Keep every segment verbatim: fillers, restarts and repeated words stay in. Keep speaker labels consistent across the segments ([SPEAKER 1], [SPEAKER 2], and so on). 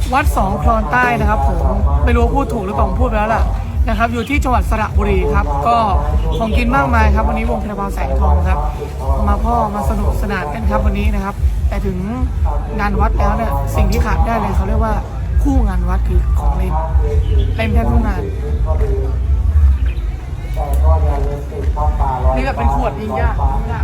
[SPEAKER 1] วัดสองคลอนใต้นะครับผมไม่รู้ว่าพูดถูกหรือเปล่าผมพูดไปแล้วล่ะนะครับอยู่ที่จังหวัดสระบุรีครับก็ของกินมากมายครับวันนี้วงคาราบาวแสงทองครับมาพ่อมาสนุกสนานกันครับวันนี้นะครับแต่ถึงงานวัดแล้วเนี่ยสิ่งที่ขาดได้เลยเขาเรียกว่าคู่งานวัดคือของเล่นเล่นแทบทุกงานนี่แบบเป็นขวดยิงยาก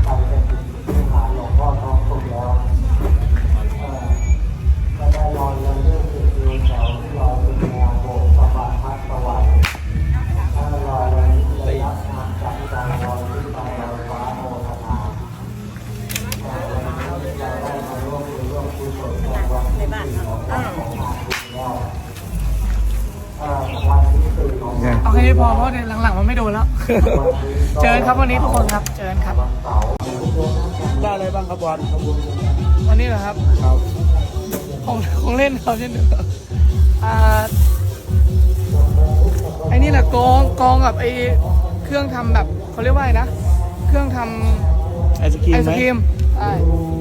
[SPEAKER 1] เอาแค่นี้พอเพราะเนี่ยหลังๆมันไม่โดนแล้ว เจอครับวันนี้ทุกคนครับเจอครับ
[SPEAKER 2] ได้อะไรบ้างครับบอล
[SPEAKER 1] วันนี้เหรอครับ
[SPEAKER 2] ครับ
[SPEAKER 1] ของของเล่นเขาเช่นเดียวอ่าไอ้นี่แหละกองกองกับไอ้เครื่องทำแบบเขาเรียกว่าไงนะเครื่องทำ
[SPEAKER 2] ไอศกรีม
[SPEAKER 1] ไอศกรีมใช่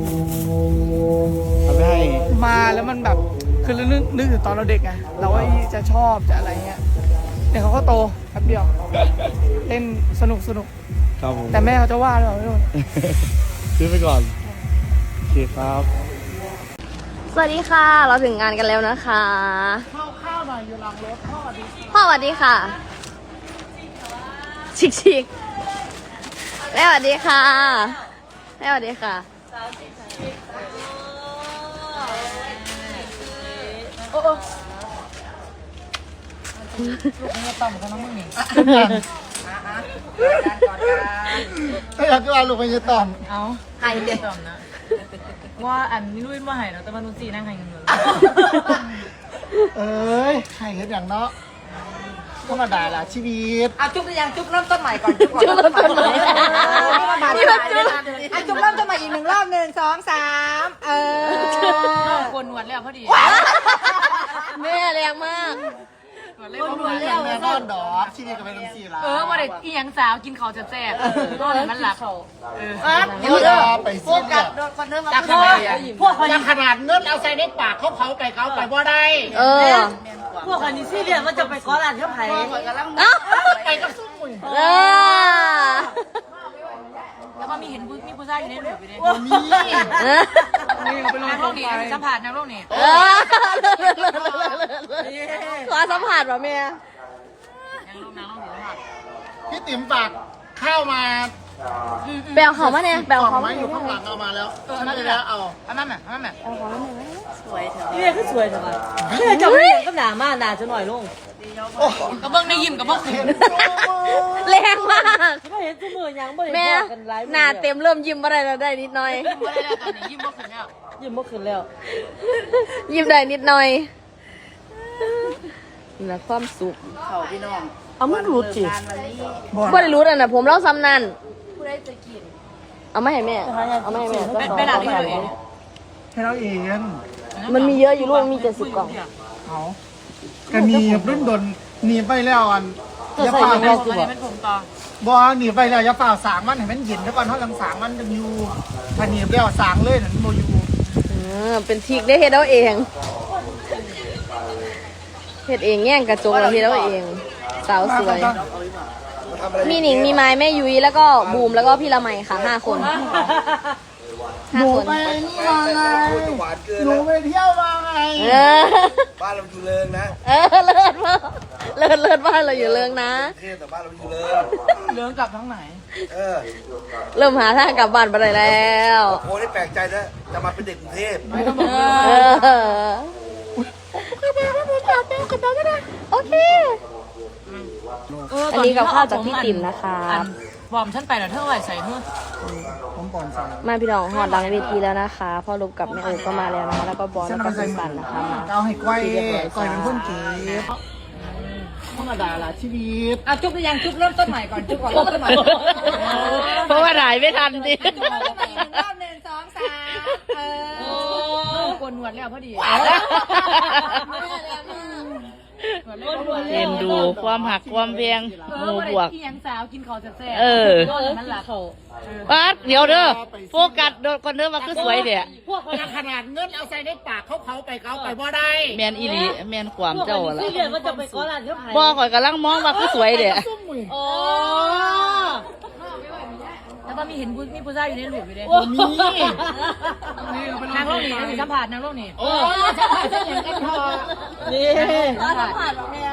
[SPEAKER 2] ทำให้
[SPEAKER 1] มาแล้วมันแบบคือนึกนึกถึงตอนเราเด็กไงเราก็จะชอบจะอะไรเงี้ยเดี๋ยวเขาก็โตแป๊บเดียวเล่นสนุกสนุก
[SPEAKER 2] ครับผม
[SPEAKER 1] แต่แม่เขาจะว่าหรือเปล่าไม่รู้
[SPEAKER 2] ซื้อไปก่อนโอเคครับ
[SPEAKER 3] สวัสดีค่ะเราถึงงานกันแล้วนะคะ
[SPEAKER 1] ข้าวข้าวหน่อยอยู่หลังรถพ่อดี
[SPEAKER 3] พ่อสวัสดีค่ะชิกชิกแม่สวัสดีค่ะแม่สวัสดีค่ะโอ้โอ้
[SPEAKER 1] ลูกนี่ต่ำกันน้องมึงนี่
[SPEAKER 2] ไม่อยากจะเอาลูกไปจะต่อม
[SPEAKER 1] เอา
[SPEAKER 3] หายเด็ด
[SPEAKER 1] นะว่าอันนี้รุ่นว่าหายเนาะแต่มานุสีนั่งหายกันเลย
[SPEAKER 2] เอ้ยให้เห็นอย่างเนาะธรรมดาล่ะชีวิต
[SPEAKER 4] อ่ะจุ๊บยังจุ๊บเริ่มต้นใหม่ก่อนจุ๊บก่อน
[SPEAKER 3] จุ๊บเริ่มต้นใหม่
[SPEAKER 4] นี่มันจุ๊บอ่ะจุ๊บเริ่มต้นใหม่อีกหนึ่งรอบหนึ่งสองสามเออ
[SPEAKER 1] กวนหนวดแล้วพอดี
[SPEAKER 3] แม่แรงมาก
[SPEAKER 1] กวนหนวดแล้ว
[SPEAKER 2] แม่นอนดอกชีวิตก็เป็นสีละ
[SPEAKER 1] เออมาเด็กอีหยังสาวกินข้าวแซ่บๆนอนมันหลับเออ
[SPEAKER 2] เดี๋ยวไปโฟกัส
[SPEAKER 4] คนเริ่มมา
[SPEAKER 2] จากขนาดพวกจากขนาดเนื้อเอาใส่ในปากเขาเผาไปเขาไปบ่ได้
[SPEAKER 3] เออ
[SPEAKER 4] พวกคนนี้ซี่เรียนมันจะไปก้อนร้านเขาไผ่
[SPEAKER 2] ไปกับซุ้มมุ้ย
[SPEAKER 3] เออ
[SPEAKER 1] แล้วก็มีเห็นมีผู้ชายอยู่ในหลุมอยู่ด้วย
[SPEAKER 2] มี
[SPEAKER 1] นี่เป็นนักร้องนี่สัมผัสนักร้องนี่
[SPEAKER 3] ขอสัมผัสป่ะแม่
[SPEAKER 2] พี่ติ๋มฝากข้าวมา
[SPEAKER 3] แบลเขามาเนี่ยแบลเขา
[SPEAKER 2] มาอยู่ข้างหลังเอามาแล้วฉันจะแล้วเอา
[SPEAKER 1] อันนั้นน่ะอันนั้นน่ะ
[SPEAKER 4] สวยเถอะนี่คือสวยเถอะนี่จะไม่ก็หนามาหนาจะหน่อยลง
[SPEAKER 1] กระเบื้องในยิ้มกระเบื้องขึ้น
[SPEAKER 3] แรงมาก
[SPEAKER 4] ไม่เห็นตัวมือยังไม่
[SPEAKER 3] แม่หน้าเต็มเริ่มยิ้มอะไรแล้วได้นิดหน่อย
[SPEAKER 1] ยิ้มอะไรแล้วตอนนี้ยิ้มเมื่อคืนแล้ว
[SPEAKER 4] ยิ้มเมื่อคืนแล้ว
[SPEAKER 3] ยิ้มได้นิดหน่อยนะความสุข
[SPEAKER 4] เขาพี่น้อง
[SPEAKER 3] เอาไม่รู้จิบ่ได้รู้อ่ะนะผมเล่าซ้ำนั่นผู้ใดจะกินเอาไม่ให้แม่เอาไม่ให้แม่
[SPEAKER 1] ไปหลับที่เราเอง
[SPEAKER 2] ให้เราเอง
[SPEAKER 3] มันมีเยอะอยู่ลูกมีเจ็ดสิบกล่อง
[SPEAKER 2] เอากระนีบรุ่นดนหนีไปแล้วอัน
[SPEAKER 1] อย่าฝ่าเราสิบ่
[SPEAKER 2] บ่หนีไปแล้วอย่าฝ่าสางมันให้มันเย็นแล้วก่อนเพราะหลังสางมันจะอยู่ถ้าหนีไปแล้วสางเลยนั่นโมยู
[SPEAKER 3] เป็นทิกได้เฮ็ดเอาเองเฮ็ดเองแง่งกระจกเราเฮ็ดเอาเองสาวสวยมีหนิงมีไม้แม่ยุ้ยแล้วก็บูมแล้วก็พี่ละไมค่ะห้าคน
[SPEAKER 2] หนูไปนี่มาไงหนูไปเที่ยวมาไง
[SPEAKER 5] บ้านเราอยู่เริงนะ
[SPEAKER 3] เออเลิศมากเลิศเลิศบ้านเราอยู่เริงนะ
[SPEAKER 5] เทพแต่บ้านเราอยู่เริง
[SPEAKER 1] เริงกลับทั้งไหน
[SPEAKER 5] เออ
[SPEAKER 3] เริ่มหาทางกลับบ้านไปได้แล้ว
[SPEAKER 5] โอ้ได้แปลกใจนะจะมาเป็นเด็กกรุงเทพ
[SPEAKER 3] เออโอเคอันนี้กับข้าวจากพี่ติ๋มนะคะ
[SPEAKER 1] บอมฉันไปแล้วเท่าไหร่ใส่เพื่อ
[SPEAKER 2] ผมก่อนใส่
[SPEAKER 3] มาพี่น้องหอดหลังเวทีแล้วนะคะพ่อลูกกับแม่โอ๊ก็มาแล้วนะคะแล้วก็บอลแล้วก็สุสันนะคะ
[SPEAKER 2] เอาให้ก้อยก้อยเป็นคนเก๋ธรรมดาล่ะชีวิต
[SPEAKER 4] อ่ะจุ๊บยังจุ๊บเริ่มต้นใหม่ก่อนจุ๊บก่อนเริ่มต้นใหม่
[SPEAKER 3] เพราะว่าหายไม่ทันดิ
[SPEAKER 4] รอบหนึ่งสองสามเออก
[SPEAKER 1] วนหนวดแล้วพอดี
[SPEAKER 6] เอ็นดูความหักความเพียงหมู่บวก
[SPEAKER 3] เอียงสาวกินข้าวแซ่บ
[SPEAKER 6] เออ
[SPEAKER 3] มันหลับ
[SPEAKER 6] ปัดเดี๋ยวเด้อโฟกัสโดนคนเด้อว่าคือสวยเด้อ
[SPEAKER 2] พวกขนาดเงินเอาใส่ในปากเขาเขาไปเขาไปบ่ได้
[SPEAKER 6] แมนอีหลีแมนความเจ้าล่ะ
[SPEAKER 3] เรียนว่าจะไปก้อนร้านเท่าไหร่
[SPEAKER 6] บ่ข่อยกำลังมองว่าคือสวยเด้อ
[SPEAKER 3] โอ้แล้วก็มีเห็นผู้มีผู้ชายอยู่ในหลุมอยู่เลย
[SPEAKER 2] มี
[SPEAKER 3] นางโลกนี่นางสัมผัสนางโลกนี่
[SPEAKER 2] โอ้จะไปจะอย่างกันพอ
[SPEAKER 3] นี่สัมผัสหรอกเนี่ย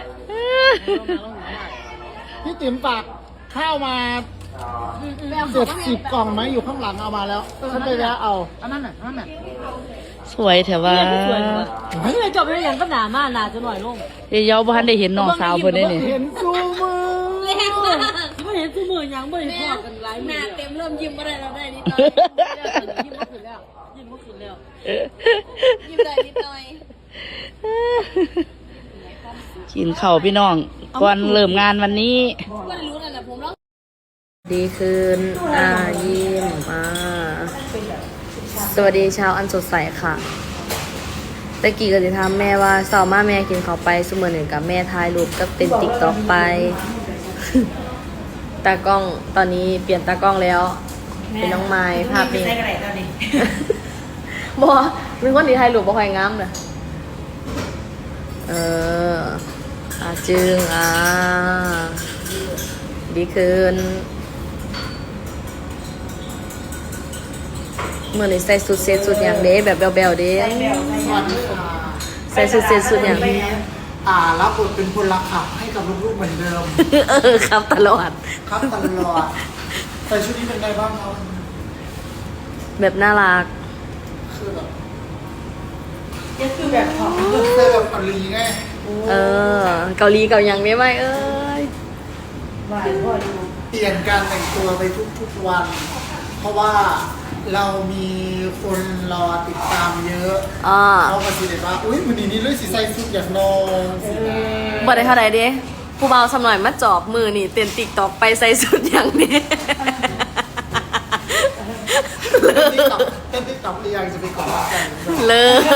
[SPEAKER 2] พี่ติ๋มฝากข้าวมาเจ็ดสิบกล่องไหมอยู่ข้างหลังเอามาแล้วฉันไปแวะเอา
[SPEAKER 3] อันนั้นน่ะอันนั้นน่ะ
[SPEAKER 6] สวยแถวว่า
[SPEAKER 3] เฮ้ยจบไปอย่างก็หนามาหนาจะหน่อยลง
[SPEAKER 6] เดี๋ยวเยาบ่ทันได้เห็นน้องสาวเพิ่นได้นี่
[SPEAKER 2] เห็นซูมือ
[SPEAKER 3] ไม่เห็นซูมือยังไม่เห็นพอกันหลายมือหนาเต็มเริ่มยิ้มมาได้แล้วได้นิดหน่อยยิ้มก็ขึ้นแล้วยิ้มก็ขึ้นแล้วยิ้มได้นิดหน่อย
[SPEAKER 6] กินข้าวพี่น้องก่อนเริ่มงานวันนี้
[SPEAKER 3] วันรู้นั่นแหละผมร้อง
[SPEAKER 6] ดีคืนอ่ายิ้มอ่าสวัสดีเช้าอันสดใสค่ะตะกี้ก็จะถามแม่ว่าเสาร์มาแม่กินข้าวไปสมอหนึ่งกับแม่ถ่ายรูปก็เป็นติ๊กต็อกไป ตากล้องตอนนี้เปลี่ยนตากล้องแล้ว เป็นน้องไม้ภาพนี้ บอเป็นคนที่ถ่ายรูปบ่ค่อยงามเลยเอออาจึงอ่าดีคืนเมื่อนี้ใส่สุดเซตสุดอย่างเด้แบบแบลๆเด้
[SPEAKER 2] สวัสดีค่ะ
[SPEAKER 6] ใส่สุดเซตสุดอย่าง
[SPEAKER 2] อ่ารับบทเป็นพลขับให้กับลูกๆเหมือนเดิม
[SPEAKER 6] เออครับตลอด
[SPEAKER 2] ครับตลอดใส่ชุดนี้เป็นไงบ้างครับ
[SPEAKER 6] แบบน่ารัก
[SPEAKER 2] คือแบบนี่คือแบบของเสื้อแบบเกาหลีไง
[SPEAKER 6] เออ เกาหลีเกาหยังได้ไหมเอ้ย
[SPEAKER 2] เปลี่ยนการแต่งตัวไปทุกๆวัน เพราะว่าเรามีคนรอติดตามเยอะ
[SPEAKER 6] อ่า
[SPEAKER 2] เขาก็สิเดว่าอุ้ยวันนี้นี่เลยสิใส่ชุดอย่างนอนสินะ
[SPEAKER 6] บ่ได้เท่าใดเด้ผู้เบาสำหน่อยมาจอบมือนี่เต้นติ๊กตอกไปใส่สุดอย่างนี้
[SPEAKER 2] เต้นติ๊กต็อกเต้นติ๊กต็อกหรือยังจะไปกอดรักกัน
[SPEAKER 6] เลิศ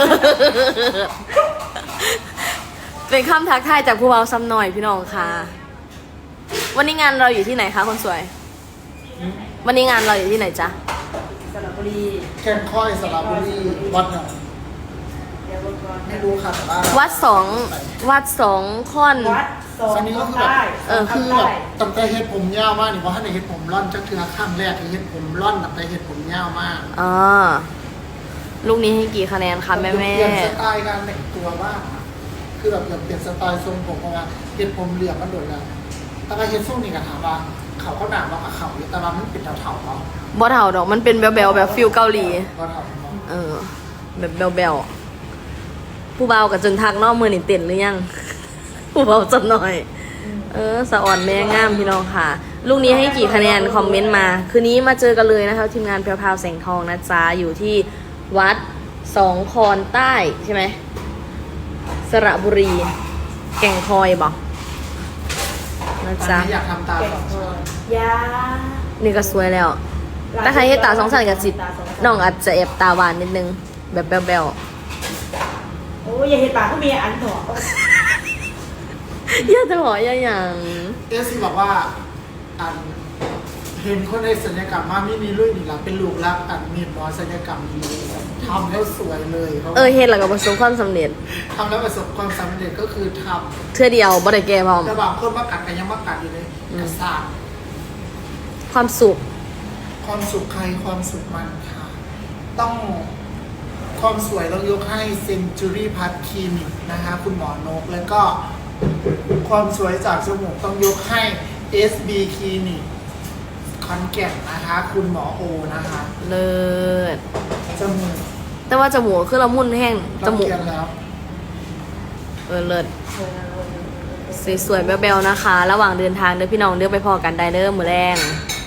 [SPEAKER 6] เป็นคำทักทายจากผู้เบาซ้ำหน่อยพี่น้องค่ะ วันนี้งานเราอยู่ที่ไหนคะคนสวย วันนี้งานเราอยู่ที่ไหนจ๊ะ
[SPEAKER 2] แก่งค่อยสระบุรีวัดไหนไม่รู้ค่ะแต่ว่า
[SPEAKER 6] วัดสองวัดสองค่อน
[SPEAKER 2] ตอนนี้ก็คือแบบ
[SPEAKER 6] เออ
[SPEAKER 2] คือแบบตั้งแต่เฮ็ดผมยาวมากนี่เพราะถ้าในเฮ็ดผมร่อนจักเทือข้างแรกที่เฮ็ดผมร่อนตั้งแต่เฮ็ดผมยาวมาก
[SPEAKER 6] อ่าลูกนี้ให้กี่คะแนนคะแม่แม่
[SPEAKER 2] เปลี่ยนสไตล์การแต่งตัวบ้างอะคือแบบอยากเปลี่ยนสไตล์ทรงผมเพราะว่าเฮ็ดผมเหลี่ยมมันโดดแล้วแต่ว่าเฮ็ดทรงนี่ก็ถามว่าเขาก็หนาว่าเขาอยู่แต่ว่ามันเป็นเถาๆเนาะ
[SPEAKER 6] บอเท่าดอกมันเป็นแบลๆแบบฟิลเกาหลี
[SPEAKER 2] ก็เถาเนาะ
[SPEAKER 6] เออ แบบแบลๆผู้เบากับจนทักนอกมือนี่เต้นหรือยัง ผู้เบาจับหน่อย เออสะอ่อนแม่งามพี่น้องค่ะ ลูกนี้ให้กี่คะแนนคอมเมนต์มา คืนนี้มาเจอกันเลยนะคะทีมงานแพรวๆแสงทองนะจ๊ะอยู่ที่วัดสองคอนใต้ใช่ไหมสระบุรี แก่งคอยบอกนะ
[SPEAKER 2] ตอน
[SPEAKER 6] จ๊ะ
[SPEAKER 2] นี้อยากทำตาสองชั้น
[SPEAKER 6] นี่ก็สวยแล้ว ถ้าใครให้ตาสองชั้นกับสิน้องอาจจะแอบตาหวานนิดนึง แบบแบล
[SPEAKER 4] โอ้ยอย่าเห็นปากก็มีอันถอ
[SPEAKER 6] ๆอย่าจะบอกอย่าอย่าง
[SPEAKER 2] เอสซีบอกว่าอันเห็นคนในศัลยกรรมมาไม่มีรุ่ยนี่ละเป็นลูกรักอันมีหมอศัลยกรรมดีทำแล้วสวยเลยเขา
[SPEAKER 6] เออเฮ็ดแล้วก็ประสบความสำเร็จ
[SPEAKER 2] ทำแล้วประสบความสำเร็จก็คือท
[SPEAKER 6] เทื่อเดียวบ่ได้แก่พร้อม
[SPEAKER 2] ำแต่บางคนมากัดกันยังมากัดอยู่เลยกระสาบ
[SPEAKER 6] ความสุข
[SPEAKER 2] ความสุขใครความสุขมันค่ะ ต้องความสวยต้องยกให้เซนจูรี่พัทคลินิกนะคะ คุณหมอนกแล้วก็ ความสวยจากจมูกต้องยกให้ เอส บี คลินิกคอนแก่นนะคะ คุณหมอโอนะคะ
[SPEAKER 6] เลิศ
[SPEAKER 2] จมูก
[SPEAKER 6] แต่ว่าจมูกคือละมุนแห้งจ
[SPEAKER 2] ต้อง
[SPEAKER 6] มูก
[SPEAKER 2] เรียนแล้ว
[SPEAKER 6] เออเลิศสวยๆแบ๊วๆนะคะ ระหว่างเดินทางเด้อพี่น้องเด้อไปพอกันได้เด้อมื้อแรง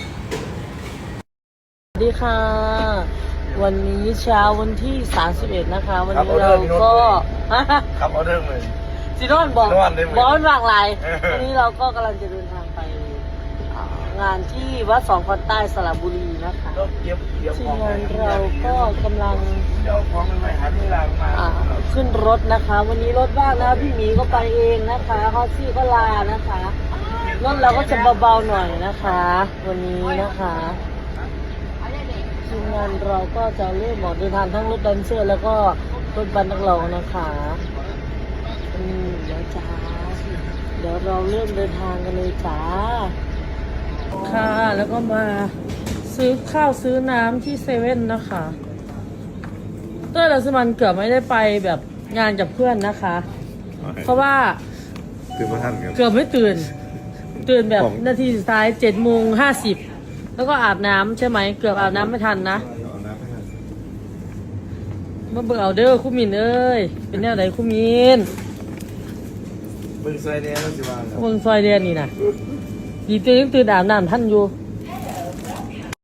[SPEAKER 6] สวัสดีค่ะ วันนี้เช้าวันที่สามสิบเอ็ดนะคะ วันนี้เราก็
[SPEAKER 5] ครับเอาเรื่องเลย
[SPEAKER 6] สินอนบอก
[SPEAKER 5] นอนได้ไหม
[SPEAKER 6] บอนหลากหลายวันนี้เราก็กำลังจะเดินทางไปอ่างานที่วัดสองคอนใต้สระบุรีนะคะ
[SPEAKER 5] ก็เก็บเก็บ
[SPEAKER 3] ทีมงานเราก็กำลัง
[SPEAKER 5] เดี๋ยวของมันไม่หันเวลามา
[SPEAKER 3] อ่าขึ้นรถนะคะ วันนี้รถว่างนะพี่หมีก็ไปเองนะคะฮอตซี่ก็ลานะคะรถเราก็จะเบาๆหน่อยนะคะ วันนี้นะคะทีมงานเราก็จะเริ่มออกเดินทางทั้งรถแดนเซอร์แล้วก็รถบัสนักร้องนะคะอืมเดี๋ยวจ้าเดี๋ยวเราเริ่มเดินทางกันเลยจ้าค่ะแล้วก็มาซื้อข้าวซื้อน้ำที่เซเว่นนะคะเต้ยรัสมันเกือบไม่ได้ไปแบบงานกับเพื่อนนะคะ เพราะว่า
[SPEAKER 5] ตื่นมาทันครับ
[SPEAKER 3] เกือบไม่ตื่น ตื่นแบบ
[SPEAKER 5] ของ
[SPEAKER 3] นาทีสุดท้ายเจ็ดโมงห้าสิบแล้วก็อาบน้ำใช่ไหมเกือบอาบน้ำไม่ทันนะมาเบิ่งเอาเด้อคุณมินเอ้ยเป็นแนวไหนคุณมิน
[SPEAKER 5] มึงใส่เนี่ยแล้วสิว่า
[SPEAKER 3] เบิ่งซอยเดียนนี่นะดีตื่นยังตื่นอาบน้ำท่านอยู่
[SPEAKER 5] เ